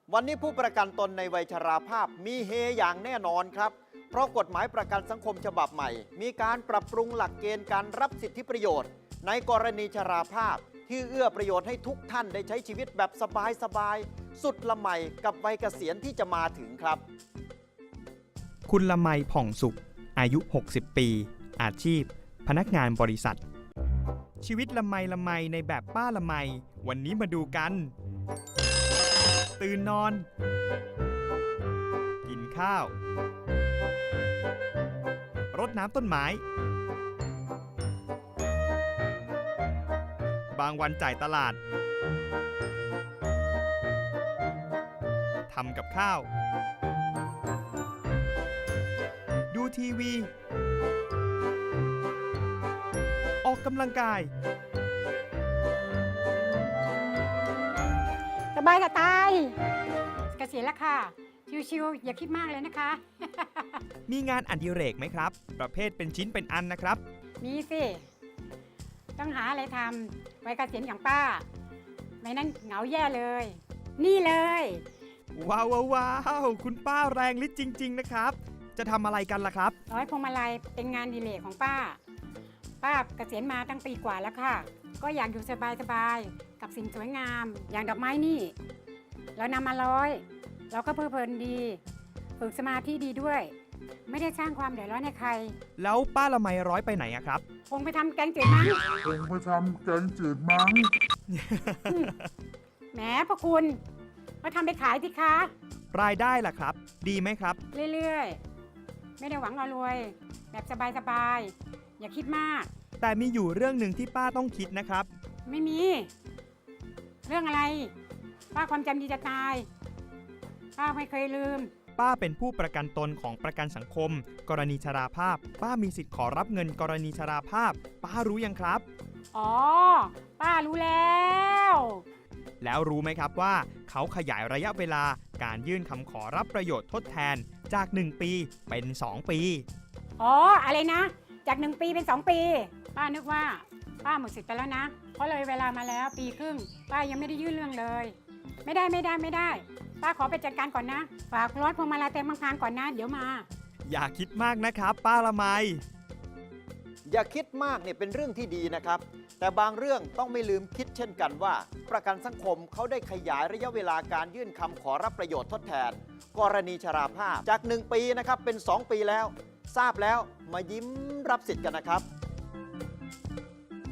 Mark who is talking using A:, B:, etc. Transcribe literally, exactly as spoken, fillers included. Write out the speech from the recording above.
A: วันนี้ผู้ประกันตนในวัยชราภาพมีเฮอย่างแน่นอนครับเพราะกฎหมายประกันสังคมฉบับใหม่มีการปรับปรุงหลักเกณฑ์การรับสิทธิประโยชน์ในกรณีชราภาพที่เอื้อประโยชน์ให้ทุกท่านได้ใช้ชีวิตแบบสบายๆสุดละไมกับวัยเกษียณที่จะมาถึงครับ
B: คุณละไมผ่องสุขอายุหกสิบปีอาชีพพนักงานบริษัทชีวิตละไมละไมในแบบป้าละไมวันนี้มาดูกันตื่นนอนกินข้าวรดน้ำต้นไม้บางวันจ่ายตลาดทำกับข้าวดูทีวีออกกำลังกาย
C: สบายจะตายเกษียณแล้วค่ะชิวๆอย่าคิดมากเลยนะคะ
B: มีงานอดิเรกไหมครับประเภทเป็นชิ้นเป็นอันนะครับ
C: มีสิต้องหาอะไรทำไว้เกษียณอย่างป้าไม่นั้นเหงาแย่เลย นี่เลย
B: ว้าวว้าวว้าวคุณป้าแรงฤทธิ์จริงๆนะครับจะทำอะไรกันล่ะครับ
C: ร้อยพวงมาลัยเป็นงานอดิเรกของป้าป้าเกษียณมาตั้งปีกว่าแล้วค่ะก็อยากอยู่สบายๆกับสิ่งสวยงามอย่างดอกไม้นี่เรานำมาร้อยเราก็เพลิดเพลินดีฝึกสมาธิดีด้วยไม่ได้สร้างความเดือดร้อนให้ใคร
B: แล้วป้าละไมร้อยไปไหนอะครับ
C: คงไปทำแกงจืดมั้ง
D: คงไปทำแกงจืดมั้ง
C: แหมพระคุณมาทำไปขายสิคะ
B: รายได้ล่ะครับดีไหมครับ
C: เรื่อยๆไม่ได้หวังเอารวยแบบสบายๆอย่าคิดมาก
B: แต่มีอยู่เรื่องหนึ่งที่ป้าต้องคิดนะครับ
C: ไม่มีเรื่องอะไรป้าความจำดีจะตายป้าไม่เคยลืม
B: ป้าเป็นผู้ประกันตนของประกันสังคมกรณีชราภาพป้ามีสิทธิ์ขอรับเงินกรณีชราภาพป้ารู้ยังครับ
C: อ๋อป้ารู้แล้ว
B: แล้วรู้ไหมครับว่าเขาขยายระยะเวลาการยื่นคำขอรับประโยชน์ทดแทนจากหนึ่งปีเป็นสองปี
C: อ๋ออะไรนะจากหนึ่งปีเป็นสองปีป้านึกว่าป้าหมดสิทธิ์ไปแล้วนะเพราะเลยเวลามาแล้วปีครึ่งป้ายังไม่ได้ยื่นเรื่องเลยไม่ได้ไม่ได้ไม่ได้ป้าขอไปจัดการก่อนนะฝากรถพวงมาลัยเต็มพังๆก่อนนะเดี๋ยวมา
B: อย่าคิดมากนะครับป้าละไม
A: อย่าคิดมากเนี่ยเป็นเรื่องที่ดีนะครับแต่บางเรื่องต้องไม่ลืมคิดเช่นกันว่าประกันสังคมเขาได้ขยายระยะเวลาการยื่นคำขอรับประโยชน์ทดแทนกรณีชราภาพจากหนึ่งปีนะครับเป็นสองปีแล้วทราบแล้วมายิ้มรับสิทธิ์กันนะครับ